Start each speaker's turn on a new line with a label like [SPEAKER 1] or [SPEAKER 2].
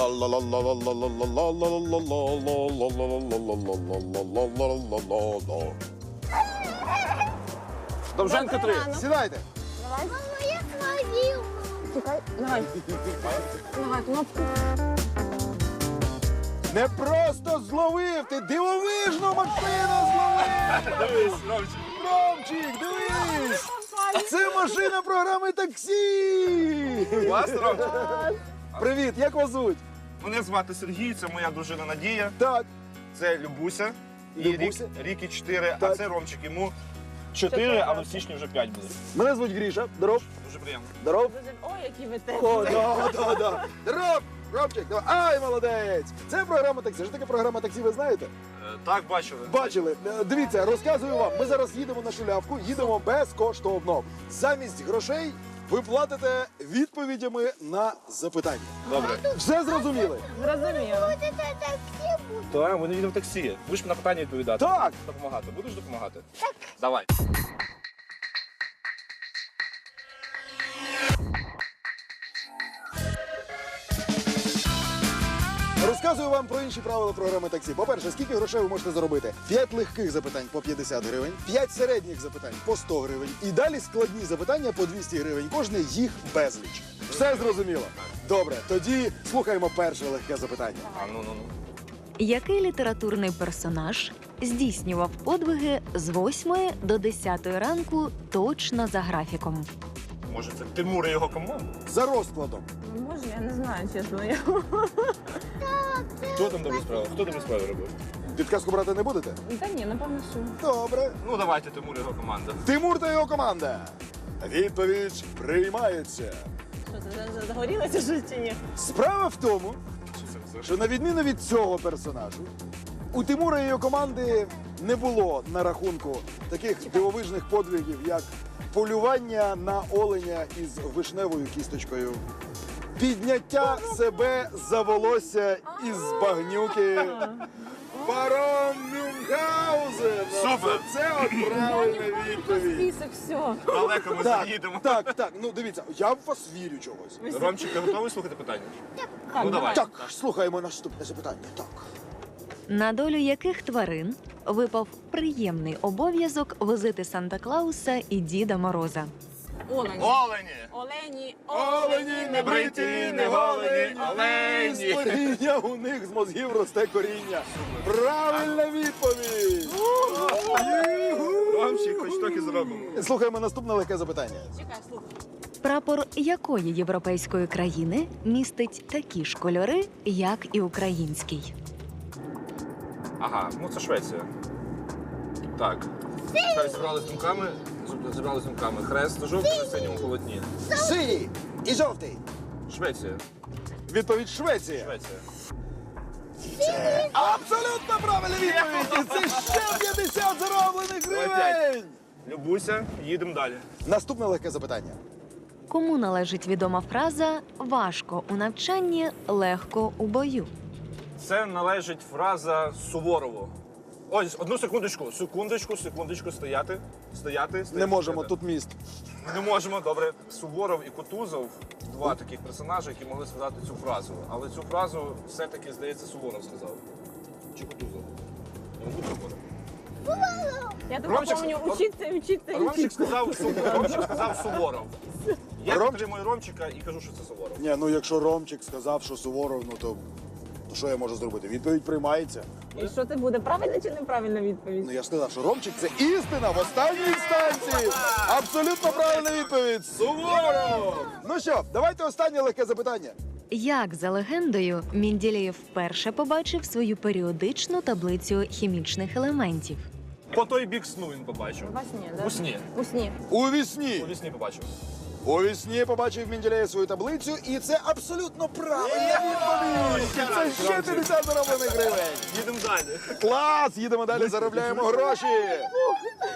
[SPEAKER 1] Довженко 3.
[SPEAKER 2] Сідайте.
[SPEAKER 3] Мама, я свалил.
[SPEAKER 4] Чекай, давай. Давай, кнопку.
[SPEAKER 2] Не просто зловив, ти дивовижну машину зловив!
[SPEAKER 1] Дивись, Ромчик.
[SPEAKER 2] Ромчик, дивись! Це машина програми таксі!
[SPEAKER 1] Клас, Ромчик.
[SPEAKER 2] Привіт, як вас звуть?
[SPEAKER 1] Мене звати Сергій, це моя дружина Надія.
[SPEAKER 2] Так,
[SPEAKER 1] Це Любуся. І
[SPEAKER 2] Любуся.
[SPEAKER 1] Рікі 4, а
[SPEAKER 2] Так.
[SPEAKER 1] це Ромчик. Йому 4, але в січні вже 5 буде.
[SPEAKER 2] мене звуть Гріша. Здоров.
[SPEAKER 1] Дуже приємно.
[SPEAKER 2] Здоров.
[SPEAKER 4] Ой, які ви те.
[SPEAKER 2] О, да. Здоров! Ромчик, давай. Ай, молодець! Це програма таксі. Що таке програма таксі, ви знаєте?
[SPEAKER 1] Так, бачили.
[SPEAKER 2] Бачили. Дивіться, розказую вам. Ми зараз їдемо на шулявку, їдемо безкоштовно. Замість грошей ви платите відповідями на запитання.
[SPEAKER 1] Добре.
[SPEAKER 2] Все зрозуміли?
[SPEAKER 4] Зрозуміло.
[SPEAKER 3] Вот это такси будет.
[SPEAKER 1] Так, ми не їдемо в таксі. Будеш на питання відповідати.
[SPEAKER 2] Так.
[SPEAKER 1] Допомагати. Будеш допомагати? Так. Давай.
[SPEAKER 2] Розказую вам про інші правила програми таксі. По-перше, скільки грошей ви можете заробити? 5 легких запитань по 50 гривень, 5 середніх запитань по 100 гривень. І далі складні запитання по 200 гривень. Кожне їх безліч. Все зрозуміло? Добре, тоді слухаємо перше легке запитання.
[SPEAKER 1] А, ну.
[SPEAKER 5] Який літературний персонаж здійснював подвиги з 8 до 10 ранку точно за графіком?
[SPEAKER 1] Може, це Тимур і його команда?
[SPEAKER 2] За розкладом.
[SPEAKER 4] Може, я не знаю, чесно.
[SPEAKER 1] Хто там добрі справи? Хто добрі справи робив?
[SPEAKER 2] Підказку брати не будете?
[SPEAKER 4] Та ні, напевно, що.
[SPEAKER 2] Добре.
[SPEAKER 1] Ну, давайте Тимур і його команда.
[SPEAKER 2] Тимур та його команда. Відповідь приймається.
[SPEAKER 4] Що це загорілося щось чи ні?
[SPEAKER 2] Справа в тому,
[SPEAKER 1] Що це?
[SPEAKER 2] що на відміну від цього персонажу, у Тимура і його команди не було на рахунку таких дивовижних подвигів, як полювання на оленя із вишневою кісточкою, підняття себе за волосся із багнюки, паром Мюнхгаузен.
[SPEAKER 1] Супер!
[SPEAKER 2] Це от правильна відповідь.
[SPEAKER 4] Список, все.
[SPEAKER 1] Далеко ми заїдемо.
[SPEAKER 2] Так. Ну дивіться, я в вас вірю чогось.
[SPEAKER 1] Ромчик, ти готовий слухати питання? Ну, давай.
[SPEAKER 2] Так, слухаємо наступне запитання. Так.
[SPEAKER 5] На долю яких тварин випав приємний обов'язок возити Санта-Клауса і Діда Мороза?
[SPEAKER 4] Олені.
[SPEAKER 1] Олені!
[SPEAKER 4] Олені.
[SPEAKER 2] Олені
[SPEAKER 1] не бриті, не голені, олені.
[SPEAKER 2] З коріння у них з мозгів росте коріння. Правильна відповідь!
[SPEAKER 1] Ромчик, хоч трохи зробимо.
[SPEAKER 2] Слухаємо наступне легке запитання.
[SPEAKER 4] Чекай, слухай.
[SPEAKER 5] Прапор якої європейської країни містить такі ж кольори, як і український?
[SPEAKER 1] Ага, ну це Швеція. Так. Так, зібрали з думками. Хрест, жовтий на синьому полотні.
[SPEAKER 2] Синій і жовтий.
[SPEAKER 1] Швеція.
[SPEAKER 2] Відповідь Швеція.
[SPEAKER 1] Швеція.
[SPEAKER 2] Абсолютно правильна відповідь! І це ще 50 зароблених гривень!
[SPEAKER 1] Любуся, їдемо далі.
[SPEAKER 2] Наступне легке запитання.
[SPEAKER 5] Кому належить відома фраза «важко у навчанні, легко у бою»?
[SPEAKER 1] Це належить фраза Суворову. Ось, одну секундочку. Секундочку, стояти.
[SPEAKER 2] Не можемо, тут міст.
[SPEAKER 1] Не можемо, добре. Суворов і Кутузов – два таких персонажі, які могли сказати цю фразу. Але цю фразу все-таки, здається, Суворов сказав. Чи Кутузов? Не Кутузов.
[SPEAKER 4] Я так
[SPEAKER 1] Ромчик,
[SPEAKER 4] пам'ятаю, учиться.
[SPEAKER 1] Ромчик сказав Суворов. Я
[SPEAKER 2] Ром-
[SPEAKER 1] підтримую Ромчика і кажу, що це Суворов.
[SPEAKER 2] Ні, ну якщо Ромчик сказав, що Суворов, ну то що я можу зробити? Відповідь приймається.
[SPEAKER 4] І що це буде? Правильна чи неправильна відповідь?
[SPEAKER 2] Ну я ж сказав, що Ромчик це істина в останній інстанції. Абсолютно правильна відповідь. Суворов! Ну що, давайте останнє легке запитання.
[SPEAKER 5] Як за легендою, Менділеєв вперше побачив свою періодичну таблицю хімічних елементів?
[SPEAKER 1] По той бік сну він побачив.
[SPEAKER 4] Во сні, да?
[SPEAKER 1] У сні.
[SPEAKER 4] У сні.
[SPEAKER 2] У вісні.
[SPEAKER 1] У вісні побачив.
[SPEAKER 2] У вісні побачив Менділеєв свою таблицю, і це абсолютно правильна відповідь. Це ще 50 зароблених гривень.
[SPEAKER 1] Їдемо далі.
[SPEAKER 2] Клас! Їдемо далі, заробляємо гроші.